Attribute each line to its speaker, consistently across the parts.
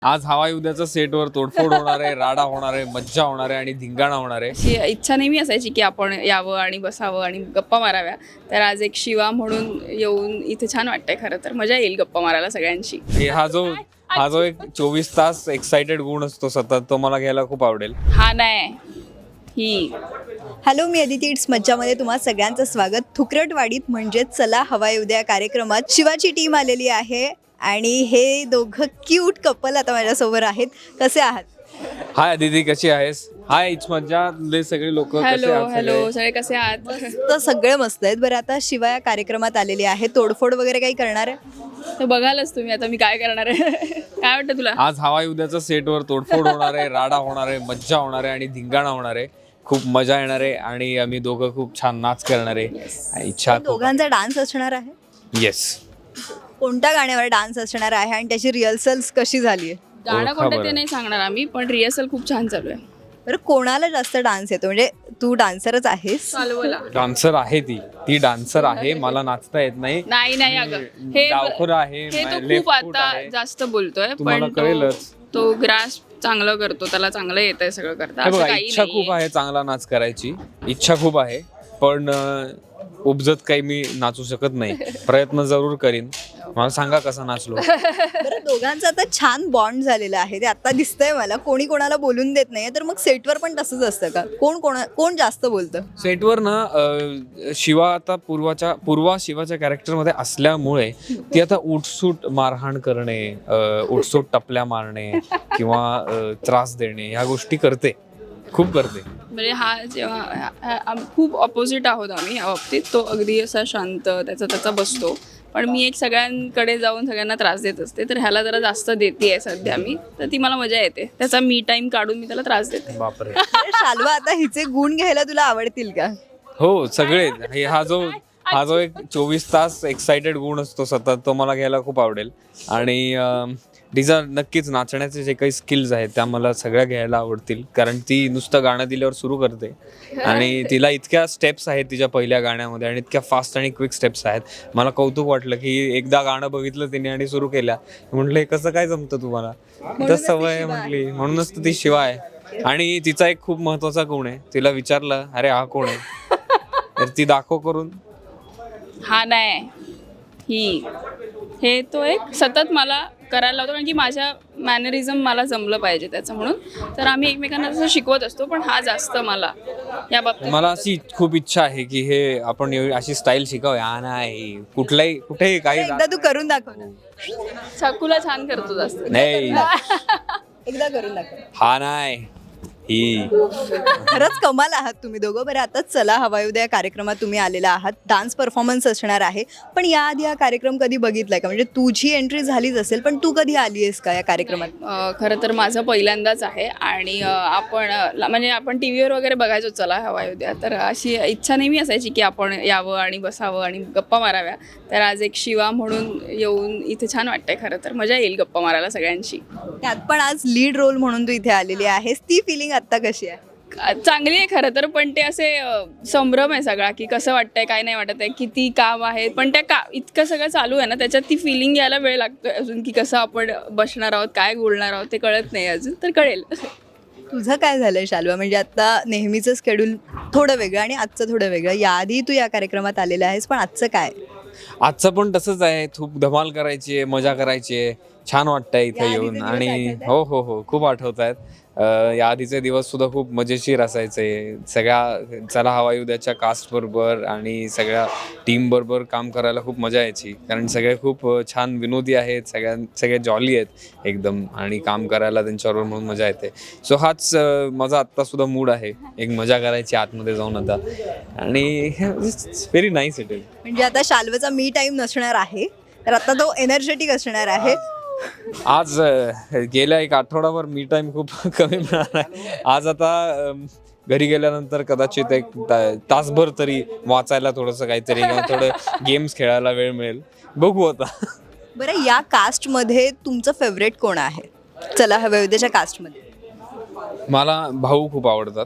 Speaker 1: आज हवाई उद्याच्या सेटवर तोडफोड होणार आहे, राडा होणार आहे, मज्जा होणार आहे आणि धिंगाणा होणार आहे.
Speaker 2: अशी इच्छा नेहमी असायची की आपण यावं आणि बसावं आणि गप्पा माराव्या. तर आज एक शिवा म्हणून येऊन इथे छान वाटतंय. खरं तर मजा येईल गप्पा मारायला सगळ्यांशी.
Speaker 1: हा जो एक 24 तास एक्साइटेड गुण असतो सतत, तो मला घ्यायला खूप आवडेल.
Speaker 2: हा नाही ही
Speaker 3: हॅलो, मी अदिती. इट्स मज्जामध्ये तुम्हा सगळ्यांचं स्वागत. थुकरटवाडीत म्हणजेच चला हवा येऊ द्या कार्यक्रमात शिवाची टीम आलेली आहे आणि हे दोघं क्यूट कपल आता माझ्यासोबत आहेत. कसे आहात?
Speaker 1: हाय अदिती, कशी आहेस? हाय इट्स मज्जा सगळे लोक कसे
Speaker 2: हॅलो
Speaker 1: आहात?
Speaker 2: हॅलो सगळे कसे आहात?
Speaker 3: तर सगळे मस्त आहेत. बरं, आता शिवा या कार्यक्रमात आलेली आहे. तोडफोड वगैरे काही करणार आहे?
Speaker 2: तर बघालच तुम्ही आता मी काय करणार आहे. काय वाटतं तुला?
Speaker 1: आज हवाई उद्याच्या सेटवर तोडफोड होणार आहे, राडा होणार आहे, मज्जा होणार आहे आणि धिंगाणा होणार आहे. खूप मजा येणार आहे आणि आम्ही दोघं खूप छान नाच करणार आहे. इच्छा
Speaker 3: दोघांचा डान्स असणार आहे.
Speaker 1: येस.
Speaker 3: कोणत्या गाण्यावर डान्स असणार आहे आणि त्याची रिहर्सल्स कशी झाली आहे?
Speaker 2: गाणं कोणतं ते नाही सांगणार आम्ही, पण रिहर्सल खूप छान चालू आहे.
Speaker 3: बरं, कोणाला जास्त डान्स येतो? म्हणजे तू डान्सरच आहेस.
Speaker 2: चालवला
Speaker 1: डान्सर आहे ती डान्सर आहे. मला नाचता येत नाही.
Speaker 2: नाही अगं, हे
Speaker 1: डावखुरा आहे,
Speaker 2: हे तो
Speaker 1: लेफ्ट
Speaker 2: खूप
Speaker 1: फूट
Speaker 2: आता
Speaker 1: आहे.
Speaker 2: जास्त बोलतोय,
Speaker 1: तुम्हाला
Speaker 2: पण
Speaker 1: कळेलच.
Speaker 2: तो ग्रास चांगलं करतो, त्याला चांगलं येतंय सगळं करता.
Speaker 1: हे
Speaker 2: असं
Speaker 1: बघा,
Speaker 2: काही
Speaker 1: इच्छा
Speaker 2: नाहीये.
Speaker 1: खूप आहे चांगला नाच करायची. इच्छा खूप आहे, पण उपजत काही मी नाचू शकत नाही. प्रयत्न जरूर करीन. मला सांगा कसं नाचलो.
Speaker 3: बरं, दोघांचं आता छान बॉन्ड झालेलं आहे. ते आता दिसतंय मला. कोणी कोणाला बोलून देत नाहीये. तर मग सेटवर पण तसंच असतं का? कोण जास्त बोलतं?
Speaker 1: सेटवर ना शिवा आता पूर्वा शिवाच्या कॅरेक्टरमध्ये असल्यामुळे ती आता उठसूट मारहाण करणे, उठसूट टपल्या मारणे किंवा त्रास देणे ह्या गोष्टी करते, खूप करते.
Speaker 2: म्हणजे हा जेव्हा खूप ऑपोजिट आहोत आम्ही या बाबतीत. तो अगदी असा शांत त्याचा बसतो, पण मी एक सगळ्यांकडे जाऊन सगळ्यांना त्रास देत असते. तर ह्याला जरा जास्त देते सध्या मी, तर ती मला मजा येते. त्याचा मी टाइम काढून मी त्याला त्रास देते.
Speaker 1: बापरे.
Speaker 3: शाल्वा, आता हिचे गुण घ्यायला तुला आवडतील का?
Speaker 1: हो, सगळे. हा जो एक 24 तास एक्साइटेड गुण असतो सतत, तो मला घ्यायला खूप आवडेल. आणि तिचा नक्कीच नाचण्याचे जे काही स्किल्स आहेत त्या मला सगळ्या घ्यायला आवडतील. कारण ती नुसतं गाणं दिल्यावर सुरू करते आणि तिला इतक्या स्टेप्स आहेत तिच्या पहिल्या गाण्यामध्ये आणि इतक्या फास्ट आणि क्विक स्टेप्स आहेत. मला कौतुक वाटलं की एकदा गाणं बघितलं तिने आणि सुरू केल्या. म्हटलं हे कसं काय जमतं तुम्हाला? तर सवय आहे म्हटली, म्हणूनच ती शिवा आहे. आणि तिचा एक खूप महत्वाचा गुण आहे. तिला विचारलं, अरे हा कोण आहे? तर ती दाखव करून.
Speaker 2: हा नाही ही हे तो एक सतत मला करायला लावतो, कारण की माझ्या मॅनरिझम मला जमलं पाहिजे त्याचं म्हणून. तर आम्ही एकमेकांना तसं शिकवत असतो, पण हा जास्त मला या बाबतीत.
Speaker 1: मला अशी खूप इच्छा आहे की हे आपण अशी स्टाईल शिकावूया. हा नाही, कुठेही काही
Speaker 3: एकदा तू करून दाखव ना.
Speaker 2: छकुला छान करतो जास्त.
Speaker 1: नाही.
Speaker 3: एकदा करून दाखव.
Speaker 1: हा नाही ही.
Speaker 3: खरंच कमाल आहात तुम्ही दोघं. बरं, आता चला हवा येऊ द्या कार्यक्रमात तुम्ही आलेला आहात. डान्स परफॉर्मन्स असणार आहे, पण याआधी हा कार्यक्रम कधी बघितलाय का? म्हणजे तुझी एंट्री झालीच असेल, पण तू कधी आली आहेस का या कार्यक्रमात?
Speaker 2: खरं तर माझं पहिल्यांदाच आहे. आणि आपण टी व्हीवर वगैरे बघायचो चला हवा येऊ द्या. तर अशी इच्छा नेहमी असायची की आपण यावं आणि बसावं आणि गप्पा माराव्या. तर आज एक शिवा म्हणून येऊन इथे छान वाटतंय. खरं तर मजा येईल गप्पा मारायला सगळ्यांशी.
Speaker 3: त्यात पण आज लीड रोल म्हणून तू इथे आलेली आहेस. ती फिलिंग आता कशी आहे?
Speaker 2: चांगली आहे खरं तर, पण ते असे संभ्रम आहे सगळा की कसं वाटतंय काय नाही वाटत आहे, किती काम आहे. पण इतकं सगळं चालू आहे ना, त्याच्यात ती फिलिंग यायला वेळ लागतोय अजून, की कसं आपण बसणार आहोत, काय बोलणार आहोत ते कळत नाही अजून. तर कळेल.
Speaker 3: तुझं काय झालंय शाल्वा? म्हणजे आता नेहमीचं शेड्यूल थोडं वेगळं आणि आजचं थोडं वेगळं. याआधी तू या कार्यक्रमात आलेला आहेस, पण आजचं काय?
Speaker 1: आजचं पण तसंच आहे. खूप धमाल करायची आहे, मजा करायची आहे. छान वाटतंय इथे
Speaker 3: या
Speaker 1: येऊन.
Speaker 3: आधीचे
Speaker 1: आणि
Speaker 3: दिवस
Speaker 1: हो खूप आठवत आहेत. या आधीचे दिवस सुद्धा खूप मजेशीर असायचे. सगळ्या चला हवा येऊ द्याच्या कास्ट बरोबर आणि सगळ्या टीम बरोबर काम करायला खूप मजा यायची. कारण सगळे खूप छान विनोदी आहेत, सगळे जॉली आहेत एकदम, आणि काम करायला त्यांच्याबरोबर म्हणून मजा येते. सो हाच माझा आत्ता सुद्धा मूड आहे, एक मजा करायची आतमध्ये जाऊन आता. आणि व्हेरी नाईस इट इज.
Speaker 3: म्हणजे आता शाल्वाचा मी टाइम नसणार आहे, तर आता तो एनर्जेटिक असणार आहे.
Speaker 1: आज गेल्या एक आठवडाभर मी टाइम खूप कमी मिळाला आहे. आज आता घरी गेल्यानंतर कदाचित एक तासभर तरी वाचायला थोडंसं काहीतरी किंवा थोडं गेम्स खेळायला वेळ मिळेल. बघू आता.
Speaker 3: बरं, या कास्टमध्ये तुमचं फेवरेट कोण आहे? चला हवा येऊ द्याच्या कास्टमध्ये.
Speaker 1: मला भाऊ खूप आवडतात.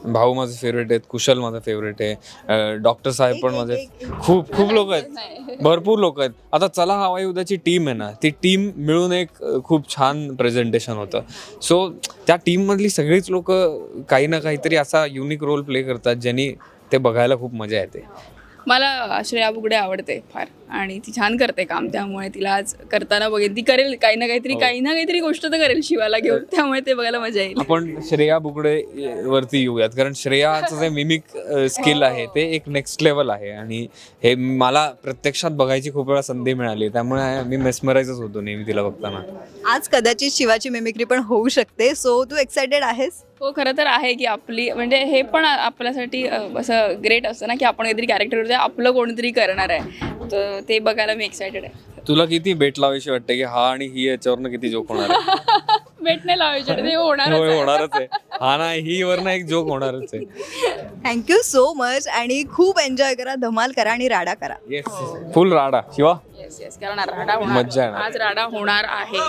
Speaker 1: भाऊ माझे फेवरेट आहेत, कुशल माझा फेवरेट आहे, डॉक्टर साहेब पण माझे खूप खूप लोक आहेत, भरपूर लोक आहेत. आता चला हवाई उद्याची टीम आहे ना, ती टीम मिळून एक खूप छान प्रेझेंटेशन होतं. सो त्या टीममधली सगळीच लोक काही ना काहीतरी असा युनिक रोल प्ले करतात ज्यांनी ते बघायला खूप मजा येते.
Speaker 2: मला श्रेया बुगडे आवडते फार आणि ती छान करते काम, त्यामुळे तिला आज करताना बघेन. ती करेल काही ना काहीतरी गोष्ट तर करेल शिवाला घेऊन, त्यामुळे ते बघायला मजा येईल.
Speaker 1: आपण श्रेया बुगडे वरती येऊयात, कारण श्रेयाचं जे मिमिक स्किल आहे ते एक नेक्स्ट लेवल आहे आणि हे मला प्रत्यक्षात बघायची खूप वेळा संधी मिळाली, त्यामुळे मी मेस्मराइजच होतो नेहमी तिला बघताना.
Speaker 3: आज कदाचित शिवाची मिमिक्री पण होऊ शकते, सो तू एक्सायटेड आहेस?
Speaker 2: हो, खरं तर आहे की आपली म्हणजे हे पण आपल्यासाठी असं ग्रेट असतं ना की आपण काहीतरी कॅरेक्टर आपलं कोणीतरी करणार आहे, तर ते बघायला मी एक्सायटेड आहे.
Speaker 1: तुला किती बेट लावायची वाटते की हा आणि ही याच्यावरनं किती जोक होणार आहे?
Speaker 2: भेट नाही लावायचे, ते
Speaker 1: होय, होणारच आहे. हा ना, ही वरनं एक जोक होणारच आहे.
Speaker 3: थँक्यू सो मच आणि खूप एन्जॉय करा, धमाल करा आणि राडा करा.
Speaker 1: येस, फुल राडा शिवा.
Speaker 2: येस कारण राडा होणार,
Speaker 1: मज्जा येणार.
Speaker 2: आज राडा होणार आहे.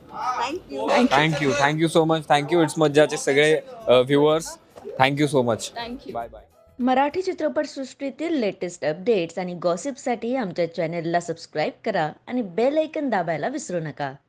Speaker 1: Thank you so much. Thank you it's मज्जाचे सगळे viewers. Thank you so much.
Speaker 2: Thank you.
Speaker 1: Bye bye.
Speaker 4: Marathi चित्रपटसृष्टीतील लेटेस्ट अपडेट्स आणि गॉसिपसाठी आमच्या चॅनेलला सबस्क्राईब करा आणि बेल ऐकन दाबायला विसरू नका.